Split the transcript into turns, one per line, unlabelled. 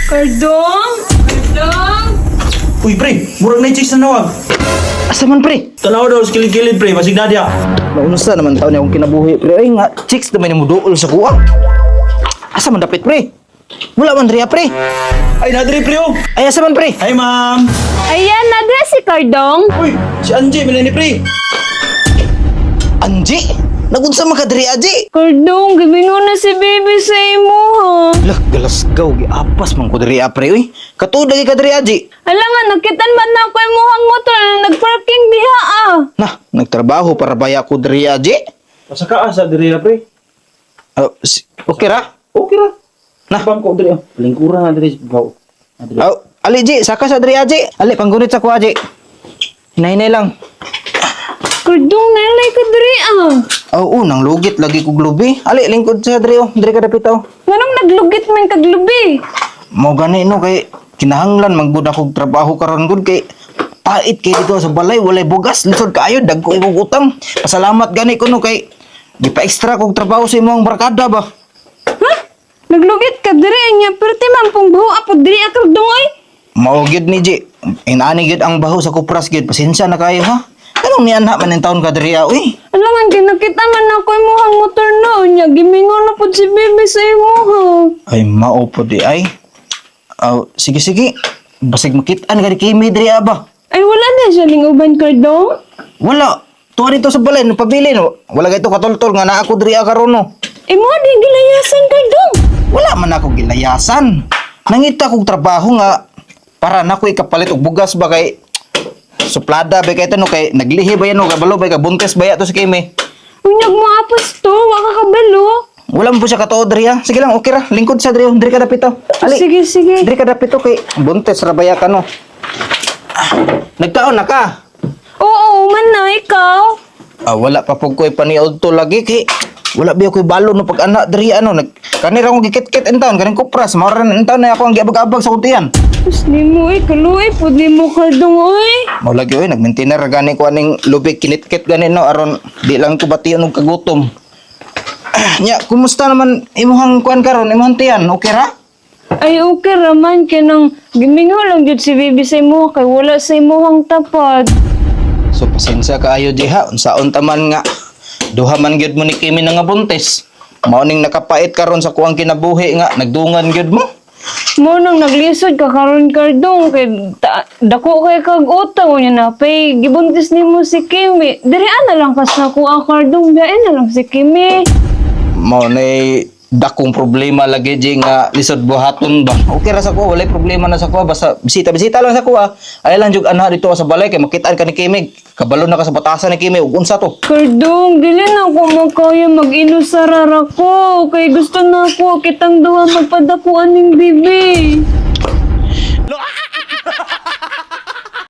Kardong? Kardong?
Uy, pre, murag na yung chicks na nawag.
Asa man pre?
Tanaw daw sa kilid-kilid, pre, masig na diya.
Naunusa naman taon niya akong kinabuhi pre. Ay nga, chicks naman yung muduol sa kuha. Asa man dapit pre? Wala man riya pre.
Ay, nadri, pre, oh.
Ay asa man pre?
Hi, ma'am.
Ayan, nadra si Kardong.
Uy, si Angie, bilhin ni pre.
Anji? Nagunsa man ka diri Anji?
Kardong, gibingo na si baby sa imo, ha?
Lah, galasgaw giapas man ko diri pre uy. Katud lagi ka diri Anji.
Ala nga, nakitan man na ako yung muhang motor na nagparking diha, ah.
Nah, nagtrabaho para baya ko diri Anji.
Pasaka sa diri na, pre.
Okay ra?
Okay ra.
Nah.
Pam ko diri, oh. Lingkuran na diri, baw. Adri.
Ali Ji, saka sa diri Anji. Ali panggunit sa ko Anji. Hinay-hinay lang.
Kardong, nalay ka diri, ah.
Nang lugit lagi ko glubi. Ali lingkod sa diri oh, diri ka dapit oh.
Nganong naglugit man kaglubi?
Mo gani no kay kinahanglan magbud akong trabaho karon gud kay pait kay dito sa balay walay bugas lisod kaayo dagko imong utang. Pasalamat gani ko no kay di pa extra kog trabaho sa imong barkada ba.
Ha? Naglugit ka diri niya, pero timang pong buho apod diri ah, Kardong, ay.
Mao gid ni Ji. Inani gid ang baho sa kupras gid. Pasensya na kayo ha. Anong nianha man ang taon ka diri uy?
Alam nga, kinakita man ako yung muhang motor na niya. Gimingon na po si baby sa imo, ha?
Ay mao po di ay. Sige sige. Basig makitaan ka di kimi diri ba.
Ay, wala na siya ning uban, Kardong.
Wala. Tuwa dito sa balay, pabili no. Wala kay to katultol nga na ako diri karon no.
Imo di gilayasan, Kardong.
Wala man ako gilayasan. Nangita kong trabaho nga para na ko ikapalit og bugas ba kay suplada ba kay tanong kay naglihi ba yan o kabalo ba kay buntes ba ya to sa kimi.
Unyag mo apas to, waka kabalo.
Wala mo po siya katuod diri ha. Sige lang, okay ra. Lingkod sa diri, diri ka dapito. Ali.
Sige, sige.
Diri ka dapito kay buntes ra ba ya ka no. Nagkaon na ka.
Oo, man na, ikaw.
Wala pa pug ko'y paniod to lagi kay wala ba ko'y balo no pag anak diri ano kanira akong gikit-kit entaon kaning kupras maoran entaon na ako ang giabag-abag sa kuntian.
Tapos ni mo, kaluoy, pud ni mo, Kardong, oy.
Mao lagi oy nagmaintainer gani ko aning lubik kinit-kit gani no aron di lang ko bation og kagutom. Nya, kumusta naman imuhang kuan karon imuhang tiyan? Okay ra?
Ay, okay raman, kinang gimingo lang jud si baby sa imo, kay wala sa imuhang tapad.
So pasensya kaayo diha unsaon taman nga duha man gyud mo ni Kimi nga buntes. Mao ning nakapait karon sa kuang kinabuhi nga nagdungan gyud mo.
Mo nang naglisod ka karon, Kardong, kay dako kay kag utang niya na pay gibuntis nimo si Kimi. Diri na lang kas na ko ang Kardong, biyain na lang si Kimi.
Mao nay dakong problema lagi di nga lisod buhaton ba. Okay ra sa ko walay problema na sa ko basta bisita lang sa ko ay lang jug ana dito sa balay kay makitaan ka ni Kimi. Kabalo na ka sa batasan ni Kimi ug unsa to?
Kardong, dili na ko makaya mag-inusarara ko. Kay gusto na ko kitang duha magpadakuan ning bibi.